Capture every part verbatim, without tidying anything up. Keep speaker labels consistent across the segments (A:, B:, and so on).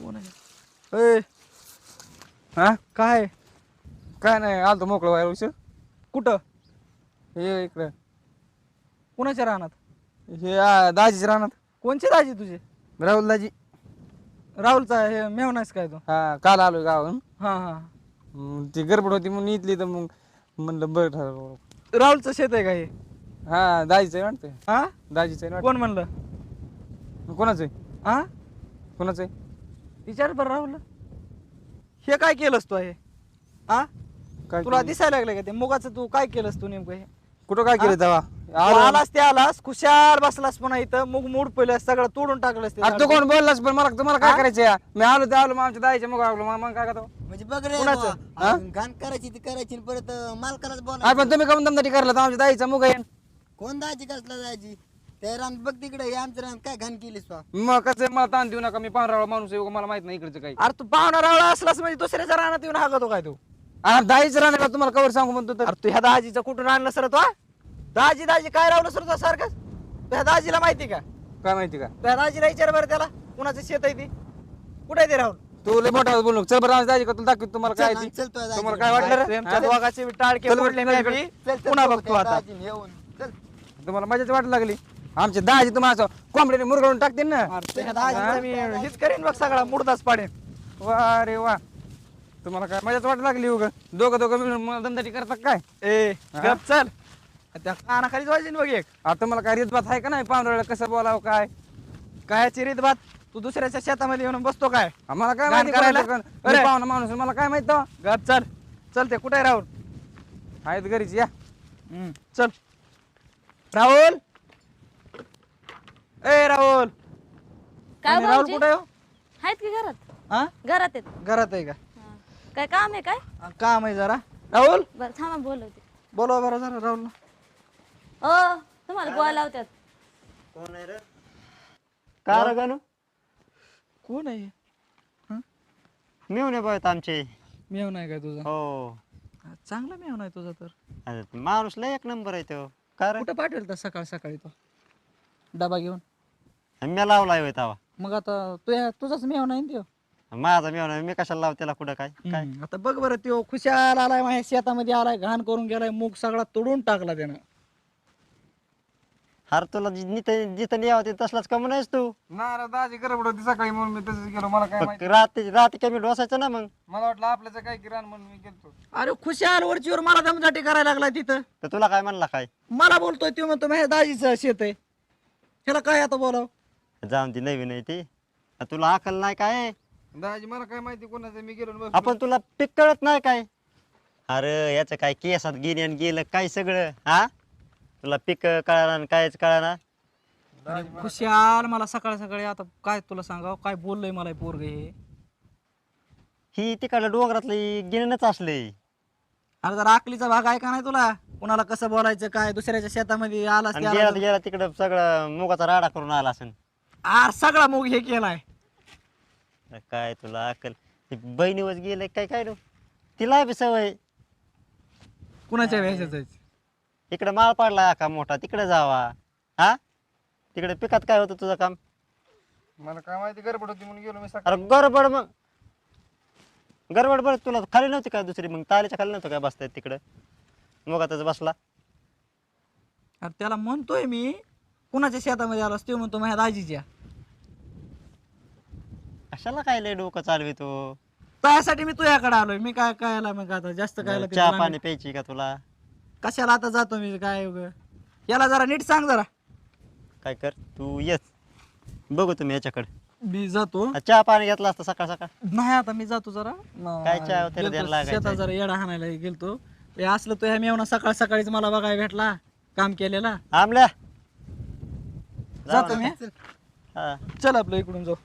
A: कोण आहे ए
B: हा
A: काय
B: काय नाही आलतो मोकळं व्हायला उशीर.
A: कुठं
B: हे इकडे
A: कुणाच्या रानात
B: हे आ, दाजीच राहणार.
A: कोणचे दाजी तुझे
B: राहुल दाजी.
A: राहुलचा हे मेवनास काय तो
B: हा काल आलोय गावाहून.
A: हा हा
B: मग ती गडबड होती म्हणून इथली तर मग म्हणलं बरं ठरवलं.
A: राहुलचं शेत आहे का हे
B: हा दाजीचं आहे वाटतं.
A: हा
B: दाजीचं आहे
A: कोण म्हणलं
B: वाटतं. कोणाचं आहे
A: हा
B: कोणाचं आहे
A: विचार बरं राहुल हे काय केलंस तू हे हा
B: काय
A: तुला
B: केलं?
A: दिसायला लागलं का ते मुगाचं तू काय केलंस तू नेमकं हे
B: कुठं काय केलं
A: हा?
B: तेव्हा
A: तू
B: आलो.
A: आलास ते आलास खुशाल बसलास पुन्हा इथं मुग मूड पहिलं सगळं तोडून टाकलंस ते
B: अरे तू
A: झाड.
B: कोण बोललास पण मला तुम्हाला काय
A: हा?
B: करायचं या? मी आलो ते आलो मग आमच्या दाजीच्या मग आलो मग मग काय करतो.
C: म्हणजे बघ रे
A: कुणाचं?
C: बुवा,
B: हा?
C: घाण करायची ती करायची आणि परत अं, मालकालाच
B: अरे
C: बोलायचं.
B: पण तुम्ही कमी दमदाटी करला तर आमच्या दाजीचा मुग आहे.
C: कोण दाजी कसला दाजी त्या रान बघ तिकडे हे आमचं रान काय घाण केलीस बा
B: मग कसं आहे, मला ताण देऊ नका. मी पांढरा माणूस आहे मला माहित नाही इकडचं काही.
A: अरे तू पाहुणा रावळा असलास म्हणजे दुसऱ्याच्या रानात येऊन हागतो काय तू
B: अरे दाजीच राहणार तुम्हाला कवर सांगू म्हणतो तर.
A: अरे तू ह्या दाजीचं कुठून आणलं सर तो हा? दाजी दाजी काय रावलं सर तो सारखं ह्या दाजीला माहिती का
B: काय माहिती का
A: त्या दाजीला विचार बरं त्याला कुणाचं शेत आहे ती कुठे आहे ते राहुल
B: तू लय मोठा बोलू नको. चल बरं आमच्या दाजी का तुला दाखवतो तुम्हाला काय
C: चल,
B: ती.
C: चल, चल,
B: तुम्हाला
C: दाजी.
B: काय वाटलं रे
A: प्रेमच्या
B: हा?
A: दोघाचे टाळके
B: चल बरं,
A: फोडले
B: चल
A: मी
B: इकडे.
A: बी.
C: चल, चल,
A: पुन्हा
C: बघू
A: बघतो
C: त्या
A: आता
C: दाजीने येऊन. चल.
B: तुम्हाला मजाच वाट लागली. आमचे दाजी तुम्हाला असं कोंबडीने मुरगळून टाकतील ना.
A: अरे त्या दाजीचं मी हेच करीन बघ सगळा मुडदाच पाडेन
B: वा रे वा तुम्हाला काय मजाच वाट लागली उग दोघं दोघं मिळून मला दमदाटी करतात काय.
A: ए
B: हा?
A: गप चल त्या कानाखालीच वाजवीन बघ एक
B: आता तुम्हाला काय रीतभात आहे का नाही पांढऱ्याला कसं बोलावं काय.
A: काय चिरीत बात तू दुसऱ्याच्या शेतामध्ये येऊन बसतो काय
B: आम्हाला काय
A: गाण
B: माहिती
A: करायला?
B: करायला
A: अरे.
B: पाहुणा माणूस आहे, मला काय माहित तेव्हा.
A: गप चल चल ते कुठे आहे राहुल
B: आहेत घरीच या.
A: हम्म, चल राहुल ए राहुल
D: काय
A: आणि राहुल
D: भाऊजी?
A: कुठे आहे हो?
D: आहेत की घरात
A: हा
D: घरात आहेत
A: घरात आहे का
D: हा. काय काम आहे काय
A: हा, काम आहे जरा राहुल
D: बरं थांबा बोलवते
A: बोलवा बरं जरा राहुल
D: ओ तुम्हाला बोलायला होत्यात
C: कोण आहे रे
E: का रे गणू
A: कोण आहे
E: मिळून बघत आमचे
A: मेव नाही काय तुझा
E: हो
A: हा, चांगला मेव नाही तुझा तर
E: अरे माणूस लय एक नंबर आहे तो का रे
A: कुठं पाठवेल तर सकाळ सकाळी तो डबा घेऊन
E: मी लावलाय होय तवा
A: मग आता तुझ्या तुझाच मेव नाही ना त्यो
E: माझा मिळून मी कशाला लाव त्याला कुठं काय काय
A: हम्म, आता बघ बरं त्यो खुशाल आलाय माझ्या शेतामध्ये आलाय घाण करून गेलाय मूग सगळा तोडून टाकला त्यानं
E: अरे तुला जि- जिथं जिथं यावं ते तसलाच कमी नाहीस तू
B: ना रे दाजी गडबड होती सकाळी म्हणून मी तसंच गेलो. मला काय
E: फक्त
B: माहिती.
E: रात्री रात्री कमी डोसायचं ना मग
B: मला वाटलं आपल्याचं काय किराण म्हणून मी गेलतो.
A: अरे खुशाल वरचीवर मला दमदाटी करायला लागला तिथं
E: तर तुला काय म्हणला काय
A: मला बोलतोय तो म्हणतो माझ्या दाजीचं शेत आहे ह्याला काय आता बोलाव
E: जाऊन ती नवीन आहे ती आ, तुला अकल नाही काय
B: दाजी मला काय माहिती कोणाचं मी गेलो आणि बसलो.
E: आपण तुला पीक कळत नाही काय अरे याचं काय केसात गेली आणि गेलं काय सगळं हा तुला पीक कळणार कायच कळणार
A: खुशाल मला सकाळ सकाळी आता काय तुला सांगाव काय बोललंय मला पोरग हे
E: ही तिकडल्या डोंगरातली गिरणच असले
A: अरे जरा आकलीचा भाग आहे का नाही तुला कुणाला कसं बोलायचं काय दुसऱ्याच्या शेतामध्ये आलास
E: आणि
A: ते
E: गेला
A: आलास.
E: गेला तिकडं सगळं मुगाचा राडा करून आला असेल
A: आर सगळा मूग हे केलाय
E: काय तुला अक्कल ते बहिणीवर गेले काय काय रे तिला बी सवय
A: कुणाच्या व्याजाच
E: इकडे माळ पाडला का मोठा तिकडे जावा हा तिकडे पिकात काय होतं तुझं काम
B: मला काय माहिती गडबड होती म्हणून गेलो मी सकाळी.
E: अरे गडबड मग गडबड बरं तुला खाली नव्हती का दुसरी मग तालीच्या खाली नव्हतं काय बसतायत तिकडं मुगातच बसला
A: अरे त्याला म्हणतोय मी कुणाच्या शेतामध्ये आलास तो म्हणतो माझ्या दाजीच्या
E: कशाला काय लय डोकं चालवितो
A: त्यासाठी मी तुझ्याकडे आलोय मी काय काय मग आता जास्त काय
E: चहा पाणी प्यायची का तुला
A: कशाला आता जातो मी काय उगं. याला जरा नीट सांग जरा
E: काय कर तू येस बघू तुम्ही याच्याकडे
A: मी जातो
E: चहा पाणी घेतला असता सकाळ सकाळ
A: नाही आता मी जातो जरा न-
E: काय चहा वगैरे
A: गेलतो
E: द्यायला लागायचं
A: शेतात जरा येडा हाणायला गेलतो हे असलं तो ह्या मेवना सकाळ सकाळीच मला बघायला भेटला काम केलेला
E: आमल्या
A: जातो मी
E: हा
A: चल आपलं इकडून जाऊ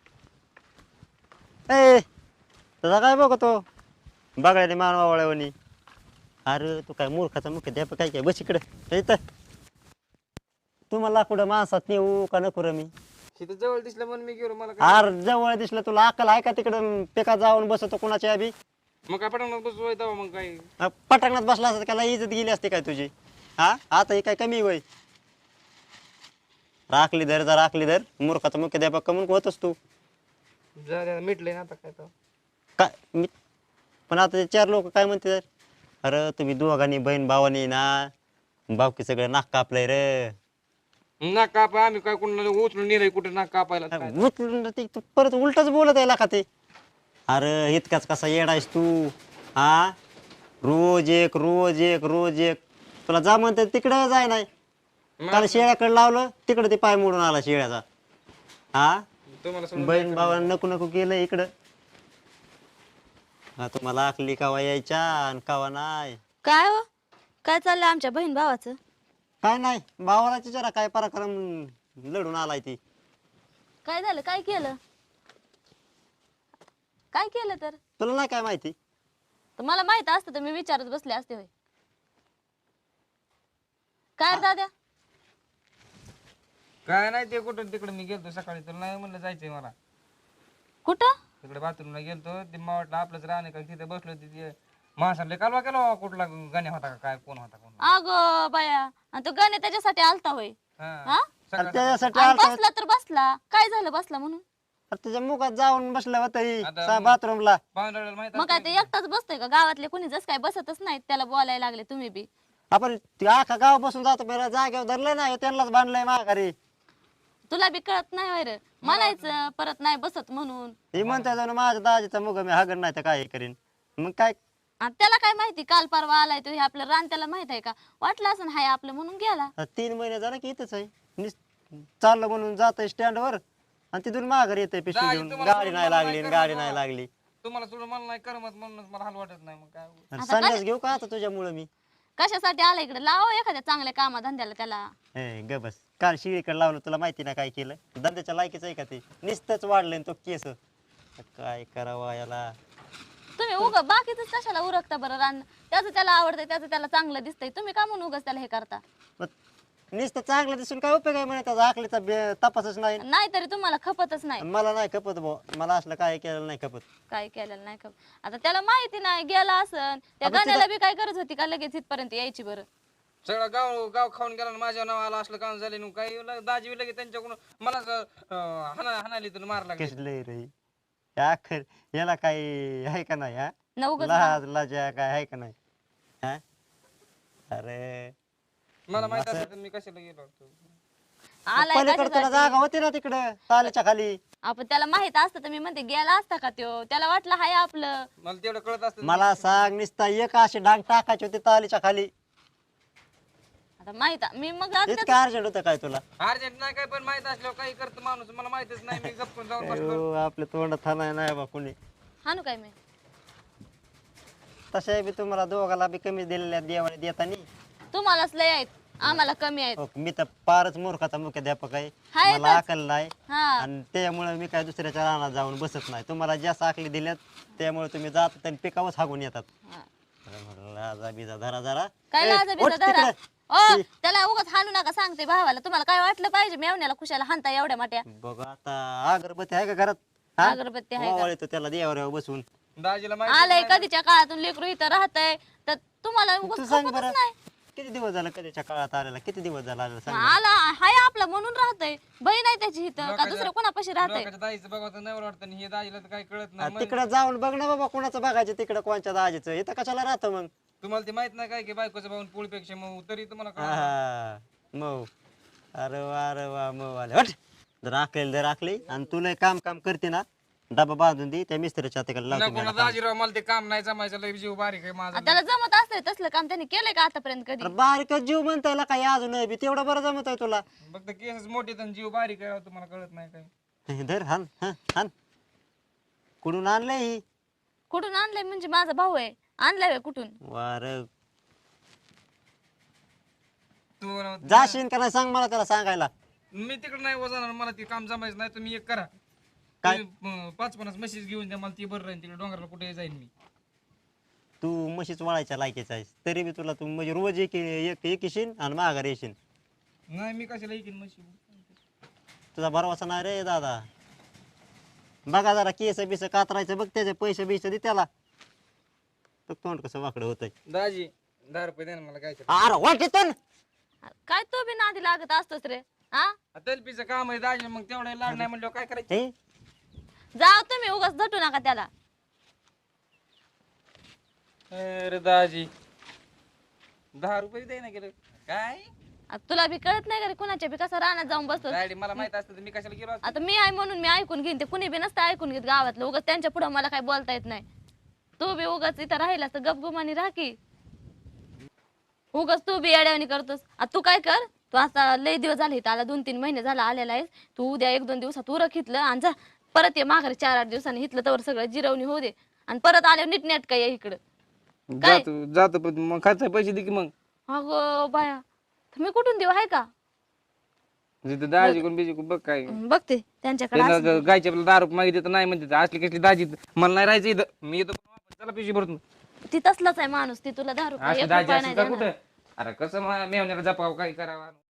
E: ए तुझा काय बघतो बघायला मानवावळ्यावणी अरे तू काय मूर्खाचा मुख्य द्या काय काय बस इकडे इथं तुम्हाला कुठं माणसात नेऊ का नको रे मी
B: तिथं जवळ दिसलं म्हणून मी गेलो. मला काय
E: अरे जवळ दिसलं तुला अक्कल आहे का तिकडं पिकात जाऊन बसतो कोणाच्या बी
B: मग काय पटवणार बसू तेव्हा मग काय.
E: अ, पटांगणात बसला असता त्याला इज्जत गेली असते काय तुझी हा आता हे काय कमी वय राखली धर जर राखली धर मूर्खाचा मुख्य द्यापक कमून होतस तू
B: झालं मिटलंय ना आता काय तर
E: काय मी पण आता ते चार लोक काय म्हणते अरे तुम्ही दोघांनी बहीण भावानी ना बावकी सगळं नाक कापलंय रे
B: नाक कापाय आम्ही काय कोणाला उचलून नेलंय कुठे नाक कापायला काय?
E: उचलून ते तू परत उलटच बोलत आहे का ते अरे इतकाच कसा येडायस तू हा रोज एक रोज एक रोज एक तुला जा म्हणते तिकडं जाय नाही काल शेळ्याकडे लावलं तिकडे ते पाय मोडून आला शेळ्याचा हा
B: तुम्हाला सोडून
E: बहीण भावानं नको नको केलं इकडं हा तुम्हाला आखली कावा यायच्या आणि कावा नाही
D: काय हो काय चाललंय आमच्या बहीण भावाचं?
E: काय नाही भावाला जरा काय पराक्रम लढून आलाय ती
D: काय झालं? काय केलं? काय केलं तर?
E: तुला नाही काय माहिती
D: तर मला माहित असतं तर मी विचारत बसले असते होय. काय रे दाद्या?
B: काय नाही ते कुठं तिकडे मी गेलतो सकाळी तर नाही म्हणलं जायचंय मला
D: कुठं?
B: तिकडे बाथरूमला गेलतो ते मला वाटलं आपलंच राहणे का तिथे बसलो तिथे माणसाला कालवा केला कुठला गाण्या होता का काय कोण होता कोण
D: अगं बाया आणि तो गाणे त्याच्यासाठी आलता होय.
B: हा
D: हा?
E: आणि त्याच्यासाठी
D: आणि
E: आलता
D: बसला तर बसला काय झालं बसला म्हणून?
E: अरे त्याच्या मुखात जाऊन बसला होता
B: आता-
E: बाथरूमला
B: पाहुण्याला माहित
D: मग काय ते एकटाच बसतोय का? गावातले कोणी जस काय बसतच नाहीत त्याला बोलायला लागले तुम्ही बी.
E: आपण ते अख्खा गाव बसून जातो मेरा जागेवर धरलं नाही त्यांनाच बांधलंय माघारी
D: तुला बी कळत नाही होय रे म्हणायचं परत नाही बसत म्हणून.
E: हे म्हणता जाऊन माझ्या दाजीचा मुग मी हागण नाही तर काय करीन मग काय
D: आणि त्याला काय माहिती काल परवा आलाय तो हे आपलं रान त्याला माहित आहे का? वाटलं असं हाय आपलं म्हणून गेला.
E: आता तीन महिने झालं की इथंच आहे निस चाललं म्हणून जात स्टँडवर आणि तिथून माघारी येते पिशवी
B: दाजी
E: घेऊन
B: तुम्हाला
E: गाडी नाही
B: सोडून मला
E: लागली
B: नाही
E: गाडी
B: करमत
E: नाही
B: बा.
E: लागली
B: तुम्हाला सोडून मला नाही करमत म्हणूनच मला हाल वाटत नाही मग काय
E: आणि संन्यास घेऊ का आता तुझ्यामुळं मी
D: कशासाठी आला इकडे? लाव एखाद्या चांगल्या कामा धंद्याला त्याला.
E: हे ग बस काल शिळीकडे लावलं तुला माहिती ना काय केलं धंद्याच्या लायकीच आहे का ते नुसतंच वाढलंय तो केस काय करावा याला
D: तुम्ही उग बाकीच कशाला उरकता बरं रान? त्याचं त्याला आवडतंय त्याचं त्याला चांगलं दिसतंय तुम्ही का म्हणून उगाच त्याला हे करता?
E: मग नुसतं चांगलं दिसून काय उपयोग आहे म्हणे त्याचा आखलीचा बे- तपासच नाही
D: नाही तरी तुम्हाला खपतच नाही.
E: मला नाही खपत भाऊ मला असलं काय केलं नाही खपत
D: काय केलेलं नाही खप आता त्याला माहिती नाही गेला असन त्या
E: आपण
D: गाण्याला बी काय गरज होती का लगेच इथपर्यंत यायची बरं?
B: सगळं गाव गाव खाऊन गेला आणि माझ्या नावाला असलं काम झाले ना काही ल- दाजी लगे त्यांच्याकडून मला हाना हाणाली तर मार लागली
E: कसलंय रे या अखेर याला काही आहे का नाही हा
D: न उगाच
E: लाज लाजा काय आहे का नाही हा अरे
B: मला माहित असतं तर मी कशाला गेलो असतो
D: आलाय
E: पलीकडे तुला
D: कशासाठी?
E: जागा होती ना तिकडं तालीच्या खाली
D: आपण त्याला माहित असतं तर मी म्हणते गेला असता का त्यो? त्याला वाटलं हाय आपलं.
B: मला तेवढं कळत असतं
E: मला सांग निसता एक अशी डांग टाकायची होती तालीच्या खाली
D: आता माहित आ- मी मग आता
E: इतकं अर्जंट होतं काय तुला
B: अर्जंट नाही काय पण माहित असल्यावर काही करतं माणूस मला माहितच नाही मी गप्पून जाऊन बसलो
E: अयो, आपल्या तोंडात थानाय नाही बा कुणी
D: हाणू काय मी?
E: तशा बी तुम्हाला दोघाला बी कमी दिलेल्या देवाने देतानी
D: तुम्हालाच लय आहेत आम्हाला कमी आहेत.
E: हो, मी तर फारच मूर्खाचा मुख्याध्यापक आहे
D: हाय
E: मला
D: तर.
E: अकल नाही
D: हा
E: आणि त्यामुळे मी काय दुसऱ्याच्या रानात जाऊन बसत नाही तुम्हाला जास्त आखली दिल्यात त्यामुळे तुम्ही जातात आणि पिकावच हागून येतात
D: हा.
E: अरे म्हटलं, लाजा बिजा धरा जरा
D: काय
E: ए,
D: लाजा
E: उठ
D: बिजा धरा?
E: तिकडं.
D: ओ त्याला उगाच हाणू नका सांगते भावाला. तुम्हाला काय वाटलं पाहिजे मेवण्याला खुशाला हाणता एवढ्या मोठ्या?
E: बघ आता अगरबत्ती आहे का घरात हा?
D: अगरबत्ती आहे का?
E: ओवाळ येतो त्याला देवाऱ्यावर बसून
B: दाजीला माहिती
D: आलंय कधीच्या काळातून लेकरू इथं राहतंय तर तुम्हाला
E: तू
D: उगाच
E: सांग
D: खपतच
E: बरं
D: नाही.
E: किती दिवस झाला कधीच्या काळात आलेला किती दिवस झाला आलेला सांग बरं.
D: आला हाय आपला म्हणून राहतंय. बहीण आहे त्याची इथं का
B: लोकांच्या-
D: दुसरं कोणापाशी राहतंय?
B: लोकांच्या दाजीचं बघा नाही वाटतं आणि हे दाजीला तर काही कळत नाही
E: आ, तिकडं जाऊन बघ ना बाबा कोणाचं बघायचं तिकडं कोणच्या दाजीचं इथं कशाला राहतं मग
B: तुम्हाला ते माहित नाही काय की बायकोचं भाऊन पोळीपेक्षा मग तरी तुम्हाला कळलं.
E: हा मऊ अरे वा अरे वा मऊ आले हट जर आखलेली जर आखली आणि तुला काम काम करते ना डबा बांधून दे त्या मिस्त्रीच्या तिकडे लावतो
B: नको
E: मी
B: ना
E: आता काम.
B: दाजीराव मला ते काम नाही जमायचं लय जीव बारीक आहे माझा
D: आ, त्याला जमत असतंय तसलं काम त्यांनी केलंय का आतापर्यंत कधी?
E: अरे बारीकच जीव म्हणता येईल काय अजून बी तेवढं बरं जमत आहे तुला
B: फक्त केसच मोठे तर जीव बारीक आहे तुम्हाला कळत नाही काय
E: धर हान हान हान कुठून आणलंय ही
D: कुठून आणलंय म्हणजे माझा भाऊ आहे आणलाय व्हय कुठून?
E: वार
B: तू
E: जाशील का नाही सांग मला त्याला सांगायला
B: मी तिकडे नाही वजाणार मला ते काम जमायचं नाही तुम्ही एक करा
E: काय?
B: तुम्ही, अं, पाच पन्नास म्हशीच घेऊन द्या मला ती बरं राहील तिकडे डोंगराला कुठे जाईन मी
E: तू म्हशीच वळायच्या लायकीचा आहेस तरी बी तुला तू म्हणजे रोज एक एक एक येशील आणि माघार येशील
B: नाही मी कशाला येईन म्हशी
E: तुझा भरवसा नाही रे दादा बघा जरा केस बिस कातरायचं बघ त्याचे पैसे बिसे दे त्याला बघ तोंड कसं वाकडं होतंय
B: दाजी दहा रुपये द्या ना मला काय
E: अरे वाटेतून
D: काय तो बी नादी लागत असतोस रे हा?
B: तलपीचं काम आहे दाजी मग तेवढं लाड नाही म्हणलं काय करायचं
E: हे
D: जाव तुम्ही उगाच झटू नका त्याला.
B: अरे दाजी दहा रुपये दे ना गेलं काय
D: आता तुला बी कळत नाही का रे कुणाच्या बी कसं रानात जाऊन बसतो.
B: डॅडी मला माहित असतं तर मी कशाला गेलो असतो?
D: आता मी आहे म्हणून मी ऐकून घेईन, ते कुणी बी नसतं ऐकून घेत गावातलं. उगाच त्यांच्या पुढे मला काही बोलता येत नाही. तू बी उगाच इथं राहिलास तर गपगुमानी राह की. उगाच तू बी येड्यावानी करतोस. आता तू काय कर, तू आता लय दिवस झाले इथं आला, दोन तीन महिने झाला आलेला आहेस. तू उद्या एक दोन दिवसात उरक इथलं आणि जा परत ये माघारी चार आठ दिवसांनी. इथलं तर सगळं जिरवणी होऊ दे आणि परत आल्यावर नीटनेटका ये इकडं. काय?
B: जातो जातो पण मग खर्च पैसे दे की मग.
D: अगं बाया, तर मी कुठून देऊ आहे का?
B: तिथं दाजी कोण बिजी कोण बघ काय
D: बघते त्यांच्याकडे
B: त्यांना
D: असेल.
B: ग- गायच्या आपल्याला दारू मागितली तर नाही म्हणते असली कसली दाजी मला नाही राहायचं इथं मी येतो चला पैसे भरतो
D: ती तसलाच आहे माणूस, ती तुला दहा रुपये
B: असली
D: एक
B: दाजी
D: रुपया
B: असेल
D: नाही
B: का
D: देणार.
B: कुठं अरे कसं मेहण्याला जपाव काय करावं